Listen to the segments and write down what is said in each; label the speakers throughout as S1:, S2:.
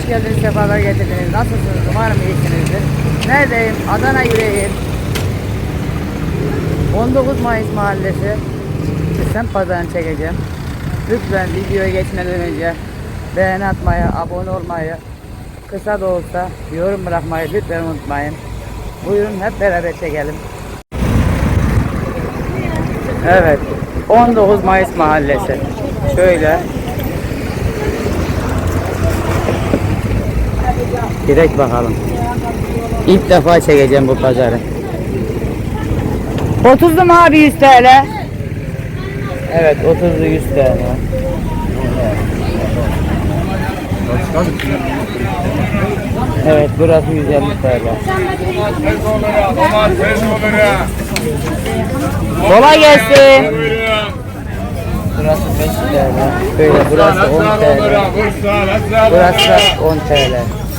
S1: hoş geldiniz, sefalar getirdiniz. Nasılsınız? Umarım iyisinizdir. Neredeyim? Adana yüreğim. 19 Mayıs Mahallesi. Semt pazarını çekeceğim. Lütfen videoya geçmeden önce beğeni atmayı, abone olmayı, kısa da olsa yorum bırakmayı lütfen unutmayın. Buyurun hep beraber çekelim. Evet, 19 Mayıs Mahallesi. Şöyle. Direkt bakalım. İlk defa çekeceğim bu pazarı. 30'lu mu abi 100 TL? Evet, 30'lu 100 TL. Evet, burası 150 TL. Kolay gelsin. Burası 5 TL. Böyle burası 10 TL. Burası 10 TL.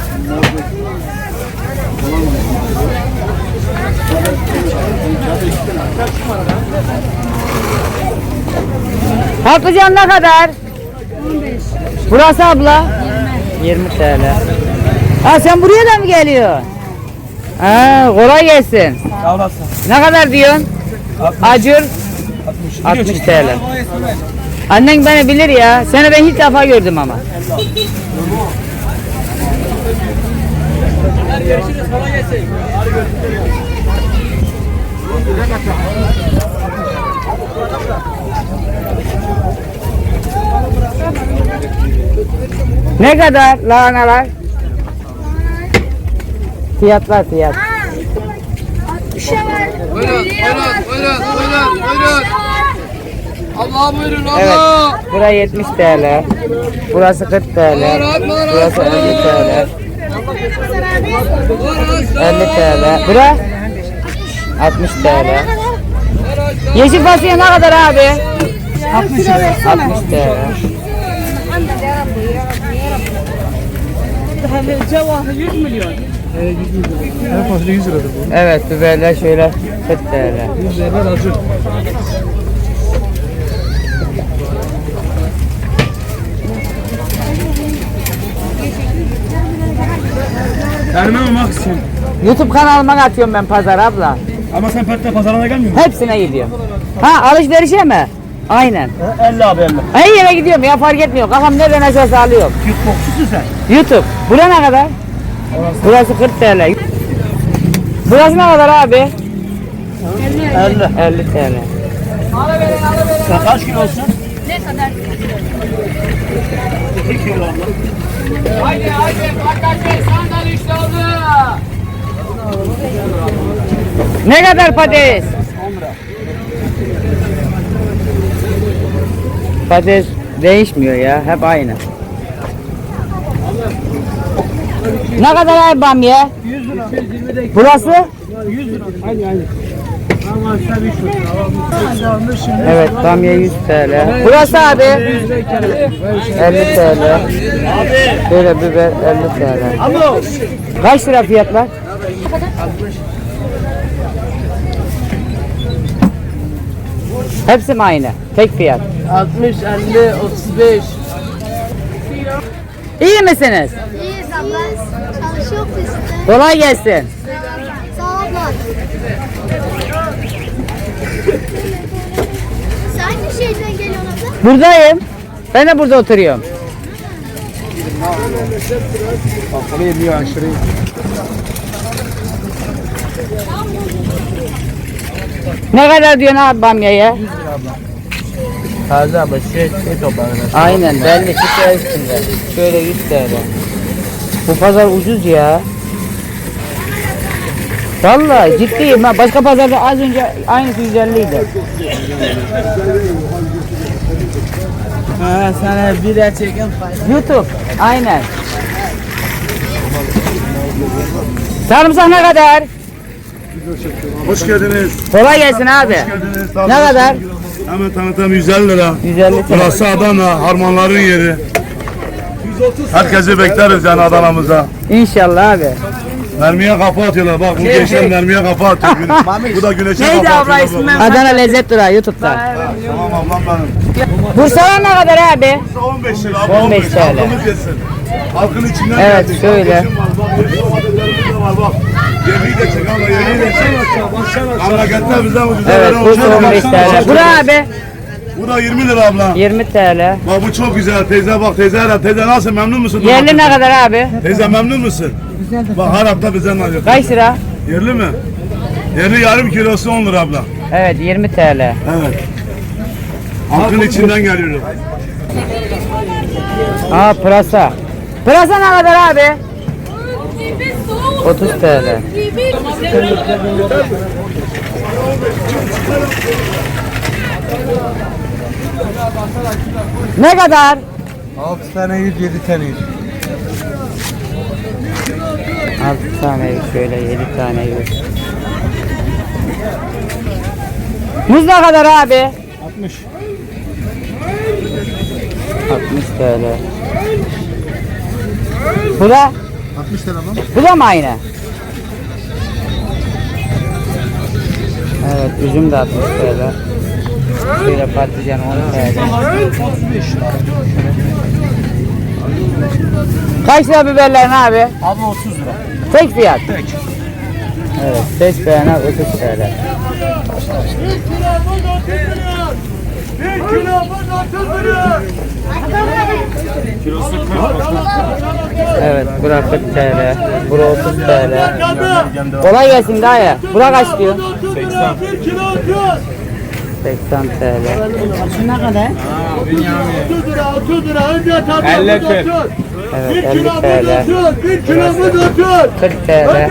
S1: Patlıcan ne kadar? 15. Burası abla? 20 TL. Ha sen buraya da mı geliyorsun? Ha, kolay gelsin.
S2: Sağ olasın.
S1: Ne kadar diyorsun?
S2: 60.
S1: Acur 60 TL. Annen beni bilir ya. Seni ben hiç defa gördüm ama.
S2: Görüşürüz. Kolay gelsin.
S1: Ne kadar lahanalar? Fiyatlar fiyat.
S3: Buyurun. Allah buyurun Allah.
S1: Evet. Burası 70 TL. Burası 40 TL. Burası 50 TL. 50 TL. Bura 60 TL. Yeşil fasulye ne kadar abi? 60 TL.
S2: Cevahı 100 milyon. 100 milyon. En fazla 100 liradır bu.
S1: Evet, biberler şöyle 40 TL.
S2: 100 lira acı. Terme mi Maksim?
S1: YouTube kanalıma atıyorum ben pazar abla.
S2: Ama sen pazarına gelmiyor musun?
S1: Hepsine gidiyorum. Ha, alışverişe mi? Aynen.
S2: 50 abi 50.
S1: Her yere gidiyorum ya, fark etmiyor. Kafam nereden açarsa alıyorum.
S2: Yutbokçusun sen.
S1: YouTube. Bura ne kadar? Burası 40 TL. Burası ne kadar abi?
S2: 50.
S1: 50 TL.
S2: Sen kaç kilo olsun?
S3: Ne kadar?
S2: 2 kilo abla.
S3: Haydi patates sandal işte oldu.
S1: Ne kadar patates?
S2: 10 lira.
S1: Patates değişmiyor ya, hep aynı. Ne kadar abi bamya?
S2: 100 lira.
S1: Burası?
S2: 100 lira. Aynı. Ama sen 3 lira.
S1: Evet, bamya 100 TL. Burası abi? 50 TL. Böyle biber 50 TL.
S2: Alo.
S1: Kaç lira fiyatlar?
S2: 60.
S1: Hepsi mi aynı? Tek fiyat.
S2: 60, 50, 35.
S1: İyi misiniz?
S4: İyiyiz abla. Çalışıyor işte.
S1: Kolay gelsin.
S4: Sağ ol abla. Sen hangi şehirden geliyorsun abla?
S1: Buradayım. Ben de burada oturuyorum.
S2: Kafayı bir aşırı.
S1: Ne kadar diyorsun abi bamyaya?
S2: Taze abla şey toplanır.
S1: Aynen, belli şişe üstünde. Şöyle 100 TL. Bu pazar ucuz ya. Vallahi ciddiyim ha. Başka pazarda az önce aynısı 150 idi.
S2: Ha sana bir de çekin.
S1: YouTube. Aynen. Sarımsak ne kadar?
S5: Hoş geldiniz.
S1: Kolay gelsin abi.
S5: Geldiniz.
S1: Ne kadar?
S5: Hemen tanıtım 150 lira.
S1: 150 TL.
S5: Burası Adana, harmanların yeri. Herkesi bekleriz yani Adana'mıza.
S1: İnşallah abi.
S5: Mermiye kafa atıyorlar. Bak bu gençler mermiye kafa atıyor. Bu da güneşe kafa atıyor.
S1: Adana Lezzet Durağı YouTube'da.
S5: Tamam ablam benim.
S1: Bursa'dan ne kadar abi?
S5: 15 lira.
S1: 15 TL.
S5: Aklımız yesin. Halkın içinden
S1: Evet,
S5: geldik.
S1: şöyle.
S5: Kardeşim var, bak, yeşil domateslerimiz de var, bak. Yemeği de çek abla, yemeği de çek. Memleketler bizden ucuza
S1: Evet,
S5: veren
S1: bu
S5: uçak
S1: 15
S5: var.
S1: TL. Bura abi
S5: Bu da 20 lira abla.
S1: 20 TL.
S5: Bak bu çok güzel teyze, bak teyze Arap. Teyze nasıl, memnun musun?
S1: Yerli ne kadar abi?
S5: Teyze memnun musun? Bak her hafta bizden alıyor.
S1: Kaç lira?
S5: Yerli mi? Yerli yarım kilosu 10 lira abla.
S1: Evet 20 TL.
S5: Evet. Halkın içinden geliyorum.
S1: Aa pırasa. Pırasa ne kadar abi? 30 TL. Ne kadar?
S2: 6 tane 100, 7 tane 100.
S1: 6 tane şöyle 7 tane 100. Muz ne kadar abi?
S2: 60.
S1: 60 TL. Bu da?
S2: 60 lira mı?
S1: Bu da mı aynı? Evet üzüm de 60 TL. Şöyle patlıcan 10 TL. Kaç lira biberlerin abi?
S2: Abi 30 lira.
S1: Tek fiyat.
S2: Tek.
S1: Evet, seç beğene 30 TL. Evet, bura 40 TL. Bura 30 TL. Kolay gelsin dayı. Bura kaç diyor? 80 TL. Şu ne kadar?
S2: 50 TL.
S1: Evet, 50 TL. 40 TL.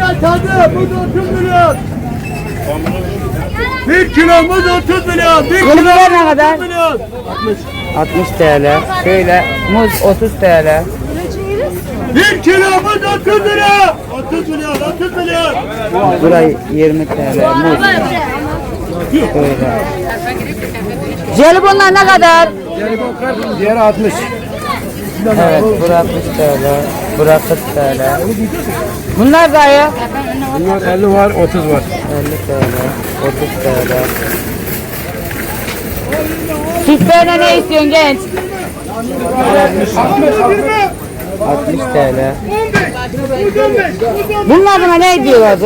S5: 1 kilomuz 30 milyon.
S1: Yeni biber ne kadar? 60 TL. Şöyle muz 30 TL.
S5: 1 kilomuz 30 lira. 30 milyon, 30 milyon.
S1: Burayı 20 TL. Muz. Şöyle. Jelibonlar ne kadar?
S2: Diğeri 60.
S1: Evet, bura 60 TL. Bura 40 TL. Bunlar dayı?
S2: Bunlar 50 var, 30 var.
S1: 50 TL. 30 TL. Sütlerine ne istiyorsun genç? 60 TL. Bunun adına ne diyorlardı?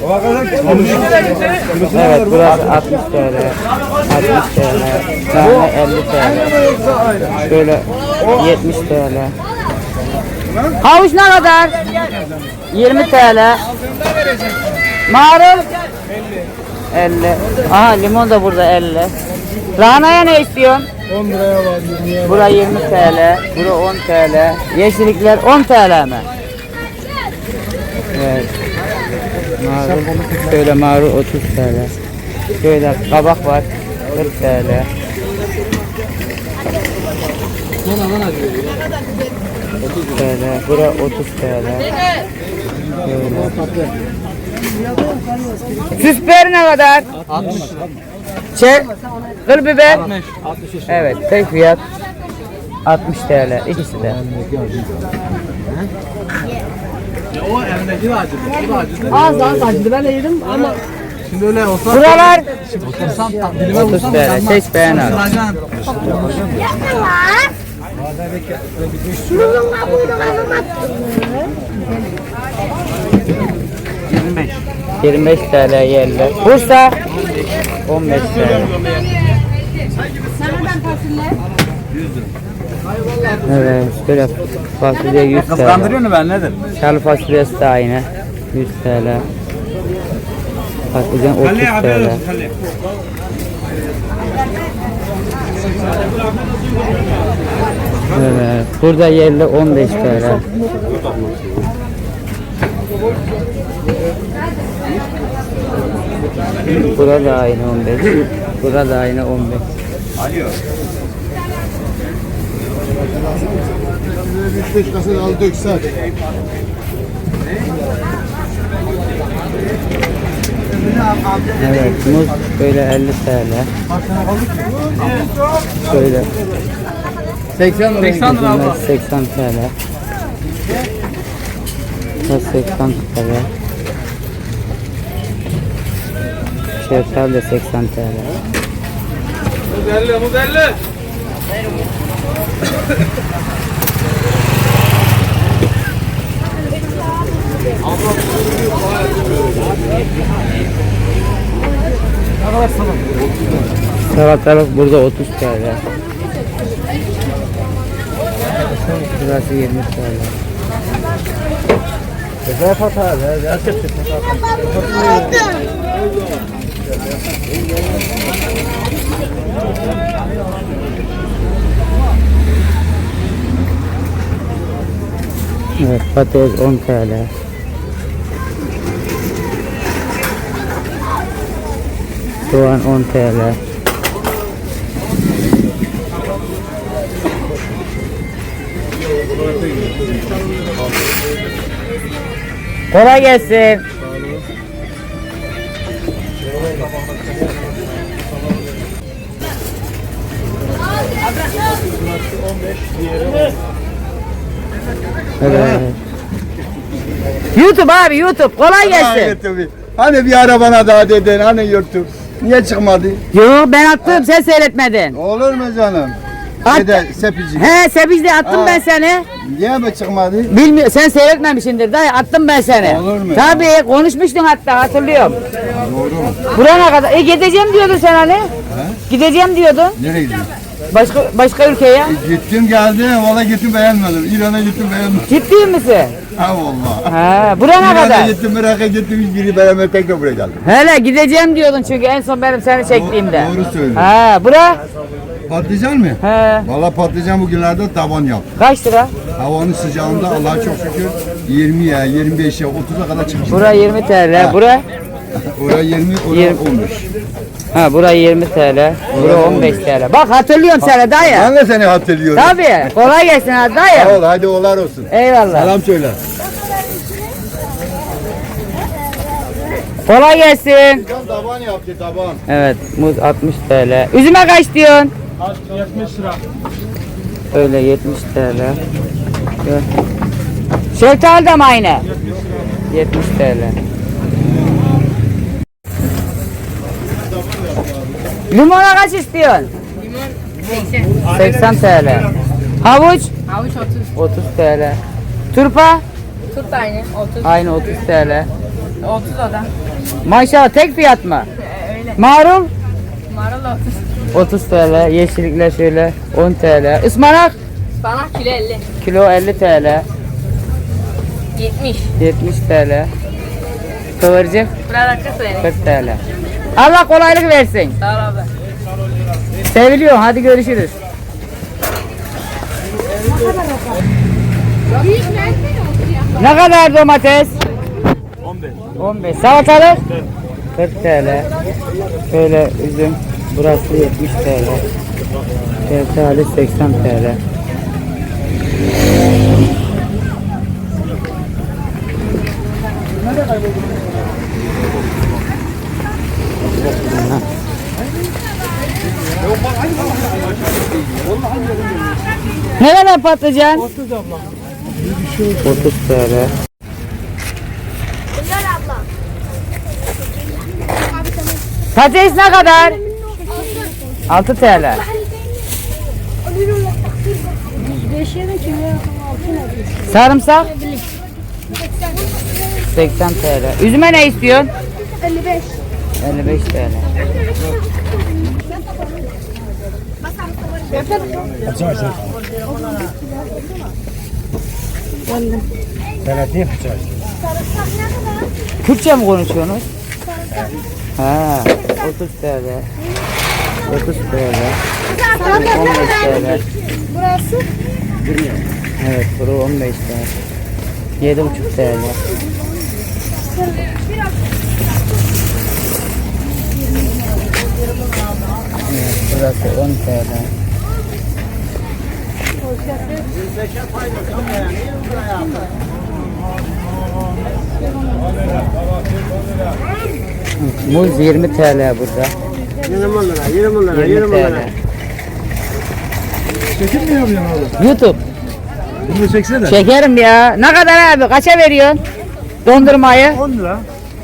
S1: Evet, burası 60 TL. 60 TL. Tane 50 TL. Şöyle 70 TL. Havuç ne kadar? 20 TL. Marul? 50. Aha limon da burada 50. Lahanaya ne istiyorsun?
S2: 10 liraya var, 20'ye var.
S1: Bura 20 TL, bura 10 TL. Yeşillikler 10 TL mi? Evet. Marul, şöyle marul 30 TL. Şöyle kabak var 40 TL. 30 TL, bura 30 TL. Şöyle. Süs biberi ne kadar?
S2: 60 lira.
S1: Çek. Kıl biber.
S2: 60.
S1: Evet, tek fiyat 60 TL ikisi de.
S2: O elindeki de acıdı. Bu da acıdı.
S6: Az acıdı ben de yedim ama
S2: Şimdi öyle olsa...
S1: Buralar
S2: Otursam dilime
S1: 30
S2: vursam...
S1: TL. Seç beğen al.
S4: Şunun kabuğunu kazanmak.
S2: 25.
S1: 25 TL yerli. Bursa 15 TL. Evet, şöyle fasulye 100 TL.
S2: Kıskandırıyor mu ben nedir?
S1: Çalı fasulyesi de aynı 100 TL. Patlıcan 30 TL. Evet, burada yerli 15 TL. Burada aynı 15. Burada aynı 15.
S2: 5 kasa al dök saç.
S1: Evet, muz böyle 50 TL. Şöyle
S2: 80 lira. 80 lira abla.
S1: 80 TL. Bu 80 TL. Şeftali de 80 TL. Salatalık burada 30 TL. Burası 20 TL. Evet, patates 10 TL. Soğan 10 TL. Kolay gelsin. Evet. YouTube abi, YouTube. Kolay gelsin.
S7: Hani bir ara bana daha dedin, hani YouTube. Niye çıkmadı?
S1: Yo, ben attım, sen seyretmedin.
S7: Olur mu canım?
S1: At-
S7: Şeyde, sepici.
S1: He, Sebiz'de attım
S7: Ha.
S1: ben seni.
S7: Niye mi çıkmadı?
S1: Bilmiyorum, sen seyretmemişsindir dayı, attım ben seni.
S7: Olur mu?
S1: Tabii, konuşmuştun hatta, hatırlıyorum.
S7: Doğru mu?
S1: Burana kadar. Gideceğim diyordun sen hani. Gideceğim diyordun.
S7: Nereye gidiyorsun?
S1: Başka ülkeye.
S7: Gittim geldim, valla gittim beğenmedim. İran'a gittim beğenmedim.
S1: Ciddi misin?
S7: Ha valla.
S1: Ha, burana
S7: İran'a
S1: kadar.
S7: gittim, Irak'a gittim, hiçbiri beğenmedim, tekrar buraya geldim.
S1: Hele gideceğim diyordun çünkü en son benim seni çektiğimde.
S7: Doğru söylüyorsun.
S1: Ha, bura?
S7: Patlıcan mı?
S1: He.
S7: Valla patlıcan bugünlerde tavan yap.
S1: Kaç lira?
S7: Havanın sıcağında Allah'a çok şükür 20'ye, 25'e, 30'a kadar çıkmış.
S1: Bura 20 TL. Bura?
S7: Oraya 20, oraya
S1: 20.
S7: 15.
S1: Ha, bura 20 TL. Bura 15 TL. Bak hatırlıyorum seni dayı.
S7: Ben de seni hatırlıyorum.
S1: Tabii. Kolay gelsin ha
S7: Sağ
S1: dayı.
S7: ol, hadi olar olsun.
S1: Eyvallah.
S7: Selam söyle.
S1: Kolay gelsin.
S7: Taban yaptı, taban.
S1: Evet, muz 60 TL. Üzüme kaç diyorsun?
S2: 70 lira.
S1: Öyle 70 TL. Gel. Şeftali de mi aynı? 70 TL. Limona kaç istiyorsun? Limon 80 TL. Havuç?
S6: Havuç
S1: 30 TL. Turpa?
S6: Tut da aynı 30.
S1: Aynı 30 TL.
S6: 30 o da.
S1: Maşallah tek fiyat mı? Marul?
S6: Marul 30.
S1: 30 TL. Yeşillikler şöyle 10 TL. Ispanak?
S6: Bana kilo 50.
S1: Kilo 50 TL.
S6: 70.
S1: 70 TL. Kıvırcık
S6: Burada 40 verin.
S1: 40 TL. Allah kolaylık versin.
S6: Sağ ol abi.
S1: Seviliyor. Hadi görüşürüz. Ne kadar domates? 15. 15. Salatalık? 40 TL. Şöyle üzüm. Burası 70 TL. Şeftali 80 TL. Ne kadar patlıcan? 30 abla. 30 TL. Patates ne kadar? 6 TL. Sarımsak? 80 TL. Üzüme ne istiyorsun?
S4: 55.
S1: 55 TL. Kürtçe mi konuşuyorsunuz? Ha, 30 TL. 30 TL. 15 TL.
S4: Burası?
S1: Evet, bura 15 TL. 7,5 TL. Evet, burası 10 TL. Muz 20 TL burada.
S2: 20 lira, 20 lira,
S1: 20 TL.
S2: Çekim mi yapıyorsun oğlum?
S1: YouTube.
S2: Bunu çeksene.
S1: Şekerim ya. Ne kadar abi? Kaça veriyorsun? Dondurmayı?
S2: 10 lira.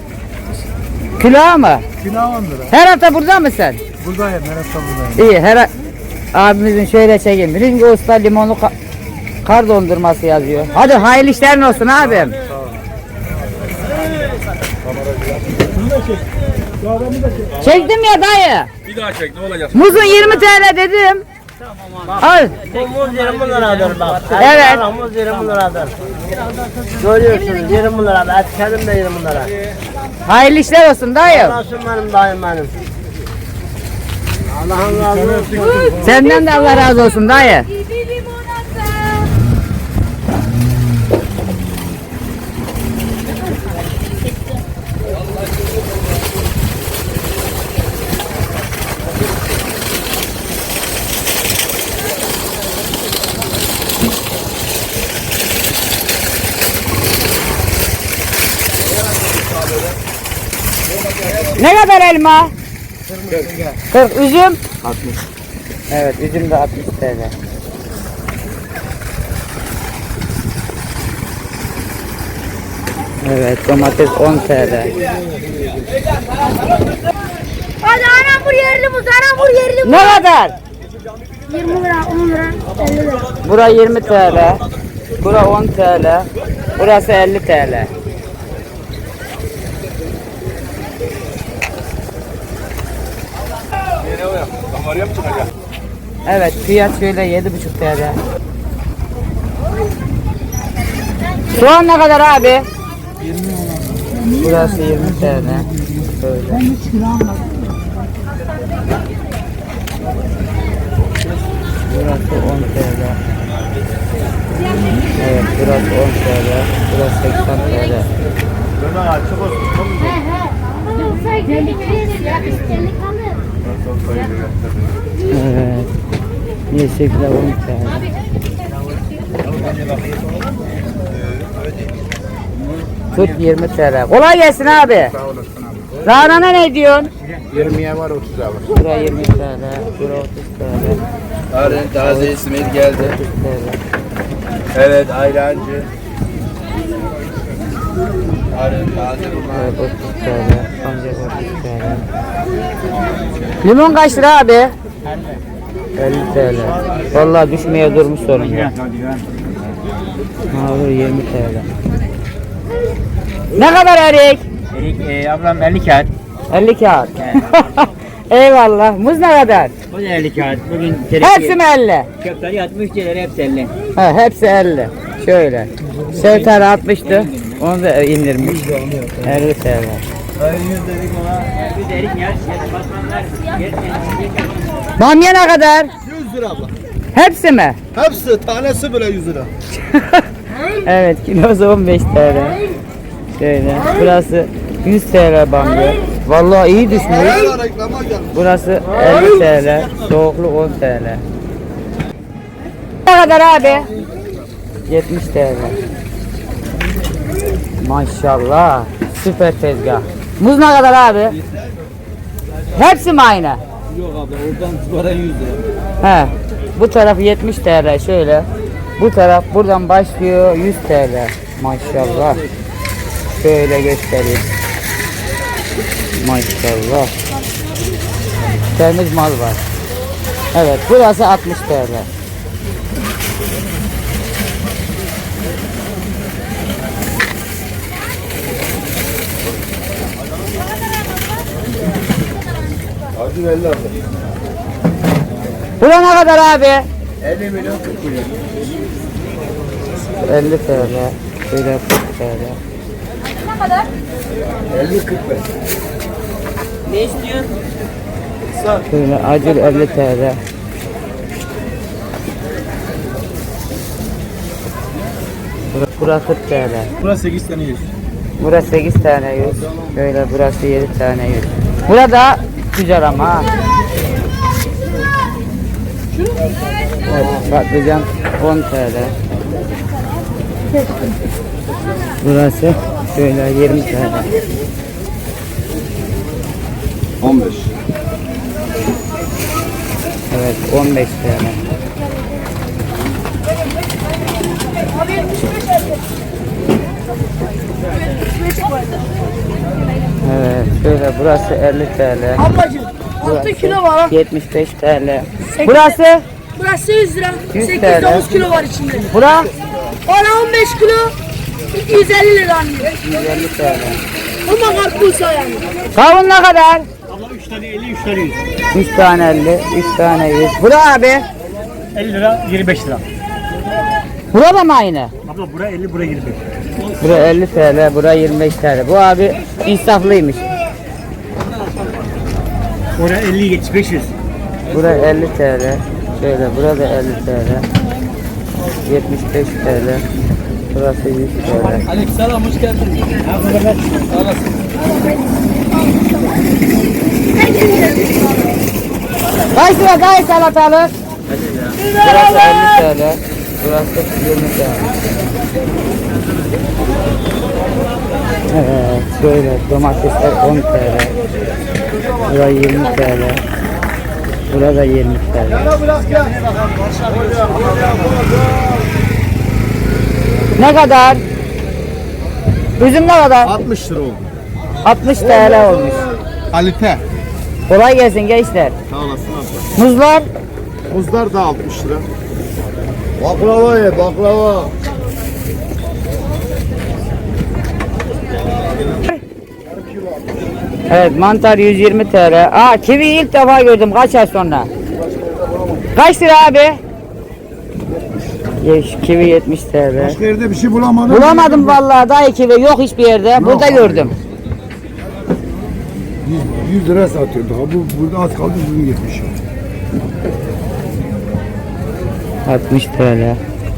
S1: Kilo mu?
S2: Kilo 10 lira.
S1: Her hafta burada mısın?
S2: Buradayım, neresi buradayım.
S1: İyi. Abimizin şöyle çekeyim. Birinci usta limonlu kar dondurması yazıyor. Hadi hayırlı işlerin olsun abim. Çektim ya dayı.
S5: Bir daha çek ne olacak?
S1: Muzun 20 TL dedim. Al.
S8: Bu muz 20 liradır bak.
S1: Evet.
S8: Muz 20 liradır. Görüyorsunuz 20 lira. Etkelim de 20 lira.
S1: Hayırlı işler olsun dayı.
S8: Nasıl benim dayım benim. Allah'ın razı olsun.
S1: Senden de Allah razı olsun dayı. Ne kadar elma? 40. Üzüm? 60. Evet, üzüm de 60 TL. Evet, domates 10 TL.
S4: Hadi anam yerli muz, anam yerli muz.
S1: Ne kadar?
S4: 20 lira, 10 lira, 50 lira.
S1: Bura 20 TL. Bura 10 TL. Burası 50 TL.
S5: Kameraya mı çıkacak?
S1: Evet, fiyat şöyle 7,5 TL. Soğan ne kadar abi? 20. Burası 20 TL. Böyle. Burası 10 TL. Evet, burası 10 TL. Burası 80 TL. Evet. Yeşillikler 10 TL. Tut 20 TL. Kolay gelsin abi.
S5: Sağ olasın abi.
S1: Lahanana ne diyorsun?
S5: 20'ye var 30'a var.
S1: Bura 20 TL. Bura 30 TL.
S9: Arın taze İsmail geldi.
S1: 30 TL.
S9: Evet ayrancı. Arın taze bunlar.
S1: Evet 30 TL. Sancak 30 TL. Limon kaç lira abi? 50 TL. Vallahi düşmeye durmuş sorun ya. Abi 20 TL. Ne kadar erik?
S8: Erik ablam 50 kağıt.
S1: 50 kağıt. Eyvallah. Muz ne kadar?
S8: Bu da 50 kağıt. Bugün
S1: Hepsi mi 50?
S8: köfteleri 60 lira hepsi 50.
S1: He, hepsi 50. Şöyle. Şevter 60'tı. Onu da indirmiş. 50 TL.
S8: Bir de erik yer. Basmanlar.
S1: Bamya ne kadar?
S7: 100 lira abla.
S1: Hepsi mi?
S7: Hepsi tanesi bile 100 lira.
S1: Evet, kilosu 15 TL. Şöyle. Burası 100 TL bamya. Vallahi iyi düşmüş.
S7: Reklama gelmiş.
S1: Burası 50 TL. Soğukluk 10 TL. Ne kadar abi? 70 TL. Maşallah. Süper tezgah. Muz ne kadar abi? Hepsi mi aynı?
S8: Yok abla oradan sonra 100 lira.
S1: He. Bu taraf 70 TL şöyle. Bu taraf buradan başlıyor 100 TL. Maşallah. Şöyle göstereyim. Maşallah. Temiz mal var. Evet, burası 60 TL.
S5: Acı 50 abla.
S1: Bura ne kadar abi?
S9: 50 milyon 40 milyon.
S1: 50 TL. Şöyle 40 TL.
S9: 50 45.
S8: Ne istiyorsun?
S1: Şöyle acil 50 TL. Burası 40 TL.
S7: Burası 8 tane 100.
S1: Burası 8 tane 100. Şöyle burası 7 tane 100. Burada güzel ama ha. Evet, patlıcan 10 TL. Burası şöyle 20 TL.
S7: 15.
S1: Evet 15 TL. Evet şöyle burası 50 TL.
S4: Ablacığım 6 kilo var ha.
S1: 75 TL. Burası
S4: Burası 100 lira.
S1: 100
S4: 8-9 kilo var içinde.
S1: bura
S4: Bana 15 kilo 250 lira anlıyor.
S1: 150 TL.
S4: Ama karpuz yani.
S1: Kavun ne kadar?
S2: Abla 3 tane 50, 3 tane 100.
S1: 3 tane 50, 3 tane 100. Bura abi.
S2: 50 lira, 25 lira.
S1: Bura da mı aynı?
S2: Abla buraya 50, buraya 25.
S1: Bura 50 TL, bura 25 TL. Bu abi insaflıymış.
S2: Oraya 50, 75, 100.
S1: Bura 50 TL. Şöyle burada 50 TL. 75 TL. Burası 100 TL.
S3: Aleykümselam hoş geldin.
S1: Kaç lira daha salatalık? Burası 50 TL. Burası 20 TL. Evet, şöyle domatesler 10 TL. Burası 20 TL. Burada 20 TL. Ne kadar? Üzüm ne kadar?
S7: 60 lira oldu.
S1: 60 TL olmuş.
S7: Kalite.
S1: Kolay gelsin gençler.
S7: Sağ olasın abla.
S1: Muzlar
S7: Muzlar da 60 lira. Baklava ye baklava.
S1: evet, mantar 120 TL. Aa, kivi ilk defa gördüm kaç ay sonra. Kaç lira abi? Kivi 70 TL.
S7: Başka yerde bir şey bulamadım.
S1: Bulamadım vallahi, daha kivi yok hiçbir yerde. Burada gördüm.
S7: 100 lira satıyordu. Ha, burada az kaldı bugün 70.
S1: 60 TL.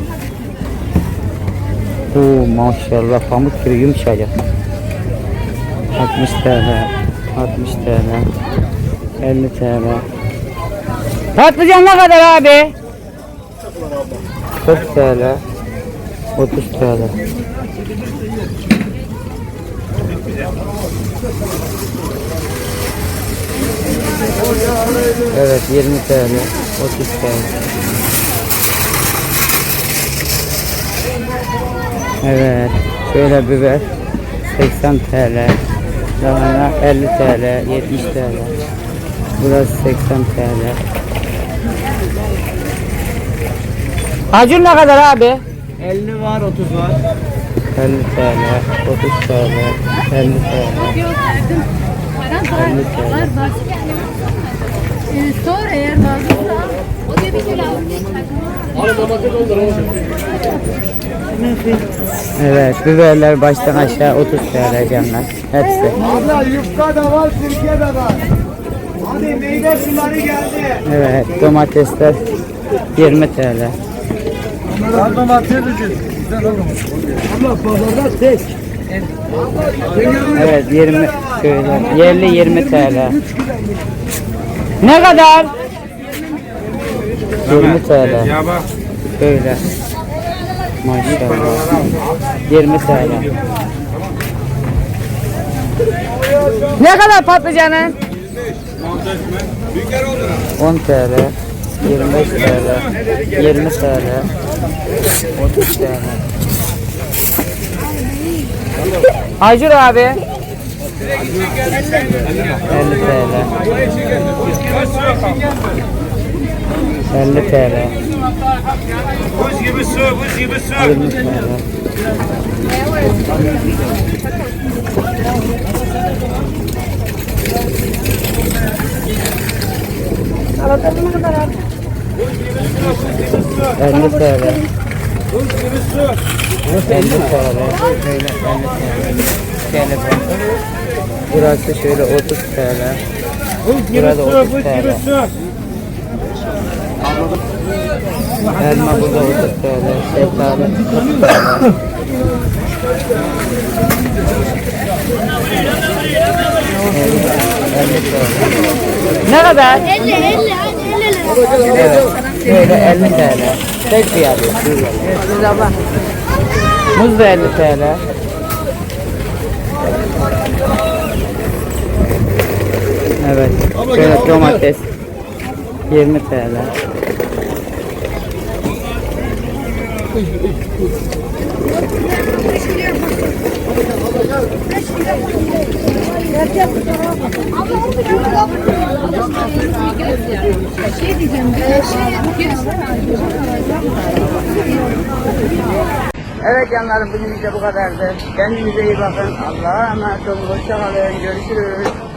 S1: Oo maşallah, pamuk gibi yumuşacık. 60 TL. 60 TL. 50 TL. Patlıcan ne kadar abi? 40 TL. 30 TL. Evet, 20 TL. 30 TL. Evet, şöyle biber 80 TL. Lahana 50 TL, 70 TL. Burası 80 TL. Acun ne kadar abi?
S2: 50 var, 30 var.
S1: 50 TL, 30 TL, 50 TL. 50 TL.
S4: Sor eğer lazımsa. O da bir kilo.
S1: Evet, biberler baştan aşağı 30 TL canlar. Hepsi.
S2: Abla yufka da var, sirke de var. Hadi meyve suları geldi.
S1: Evet, domatesler 20 TL.
S2: Domates ucuz. Abla pazarda tek.
S1: Evet, 20 şöyle yerli 20 TL. Ne kadar? 20 TL.
S9: Ya bak.
S1: Şöyle. Maşallah. 20 TL. Ne kadar patlıcanın? 10 TL. 25 TL. 20 TL. 30 TL. Acur abi. 50 TL. 50 TL.
S5: Buz gibi su, buz gibi su.
S1: 20 TL.
S4: Salatanın ne kadar abi?
S1: 50 TL. 50 TL. Şöyle 50 TL. Burası şöyle 30 TL. Burada 30 TL. Elma burada 30 TL. Şeftali 30 TL. Ne kadar?
S4: 50 lira.
S1: Evet. Şöyle 50 TL. Tek fiyatı. Muz da 50 TL. Evet. Şöyle domates 20 TL. Evet canlarım, bugün de bu kadardı. Kendinize iyi bakın. Allah'a emanet olun. Hoşça kalın. Görüşürüz.